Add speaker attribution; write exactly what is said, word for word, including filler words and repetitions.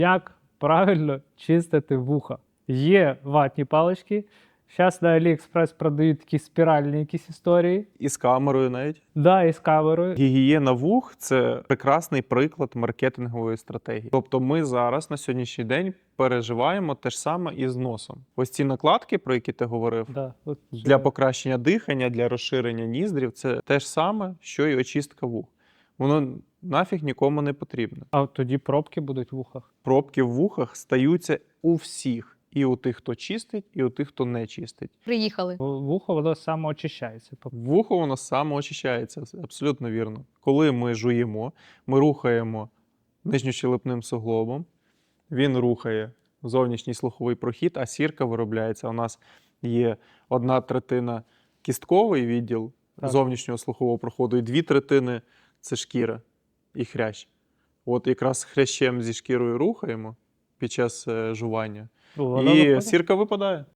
Speaker 1: Як правильно чистити вуха? Є ватні палички. Зараз на AliExpress продають такі спіральні якісь історії.
Speaker 2: І з камерою навіть.
Speaker 1: Да, і з камерою.
Speaker 2: Гігієна вух – це прекрасний приклад маркетингової стратегії. Тобто ми зараз на сьогоднішній день переживаємо те ж саме і з носом. Ось ці накладки, про які ти говорив,
Speaker 1: Да, от
Speaker 2: для покращення дихання, для розширення ніздрів – це те ж саме, що і очистка вух. Воно нафіг нікому не потрібно.
Speaker 1: А от тоді пробки будуть в вухах.
Speaker 2: Пробки в вухах стаються у всіх. І у тих, хто чистить, і у тих, хто не чистить.
Speaker 3: Приїхали.
Speaker 1: Вухо воно самоочищається.
Speaker 2: Вухо воно самоочищається, абсолютно вірно. Коли ми жуємо, ми рухаємо нижньощелепним суглобом, він рухає зовнішній слуховий прохід, а сірка виробляється. У нас є одна третина кістковий відділ
Speaker 1: Так.
Speaker 2: зовнішнього слухового проходу, і дві третини – це шкіра і хрящ. От якраз хрящем зі шкірою рухаємо під час е, жування,
Speaker 1: Воно
Speaker 2: і
Speaker 1: виходить.
Speaker 2: сірка випадає.